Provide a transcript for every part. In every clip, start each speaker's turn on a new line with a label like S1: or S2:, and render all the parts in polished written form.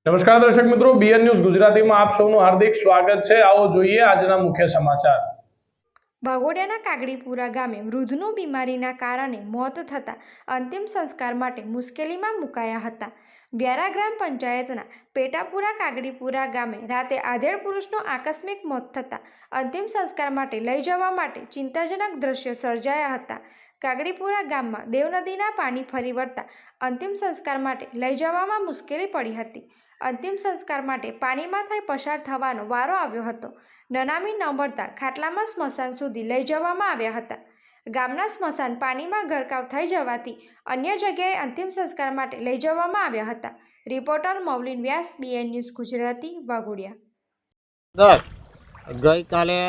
S1: નમસ્કાર દર્શક મિત્રો, બીએન ન્યૂઝ ગુજરાતીમાં આપ સૌનું હાર્દિક સ્વાગત છે। આવો જોઈએ આજના મુખ્ય સમાચાર।
S2: વાઘોડિયાના કાગડીપુરા ગામે વૃદ્ધનું બીમારીના કારણે મોત થતાં અંતિમ સંસ્કાર માટે મુશ્કેલીમાં મુકાયા હતા। વ્યારા ગ્રામ પંચાયતના પેટાપુરા કાગડીપુરા ગામે રાતે આધેડ પુરુષનું આકસ્મિક મોત થતાં અંતિમ સંસ્કાર માટે લઈ જવા માટે ચિંતાજનક દ્રશ્યો સર્જાયા હતા। કાગડીપુરા ગામમાં દેવનદીના પાણી ફરી વળતા અંતિમ સંસ્કાર માટે લઈ જવામાં મુશ્કેલી પડી હતી। અંતિમ સંસ્કાર માટે પાણીમાંથી પસાર થવાનો વારો આવ્યો હતો। નનામી ન મળતા ખાટલામાં સ્મશાન સુધી લઈ જવામાં આવ્યા હતા। ગામના સ્મશાન પાણીમાં ગરકાવ થઈ જવાથી અન્ય જગ્યાએ અંતિમ સંસ્કાર માટે લઈ જવામાં આવ્યા હતા। Reporter Maulin Vyas, BN news Gujarati, Waghodia.
S3: ગઈકાલે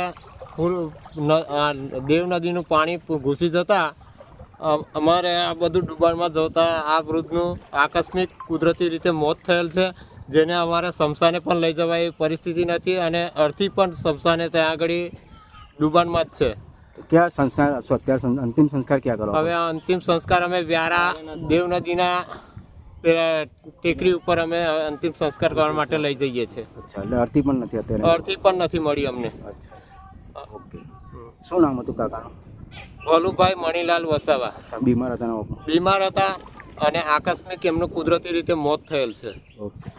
S3: દેવ નદીનું પાણી ઘૂસી જતાં અમારે આ બધું ડૂબાણમાં જતા આ વૃદ્ધનું આકસ્મિક કુદરતી રીતે મોત થયેલ છે, જેને અમારે સ્મશાને પણ લઈ જવાય એવી પરિસ્થિતિ નથી અને અર્થી પણ સ્મશાને ત્યાં આગળ ડૂબાણમાં જ છે।
S4: क्या संस्कार અત્યારે અંતિમ સંસ્કાર ક્યાં કરો?
S3: હવે અંતિમ સંસ્કાર અમે વ્યારા દેવ નદીના ટેકરી ઉપર અમે અંતિમ સંસ્કાર કરવા માટે લઈ જઈએ છીએ।
S4: અચ્છા, એટલે અર્થી પણ નથી અત્યારે?
S3: અર્થી પણ નથી મળી અમને।
S4: અચ્છા, ઓકે। શું નામ હતું કાકાનું?
S3: ભોલુભાઈ મણીલાલ વસાવા।
S4: અચ્છા, બીમાર હતા?
S3: બીમાર હતા અને આકસ્મિક એમનું કુદરતી રીતે મોત થયેલ છે।
S4: ઓકે।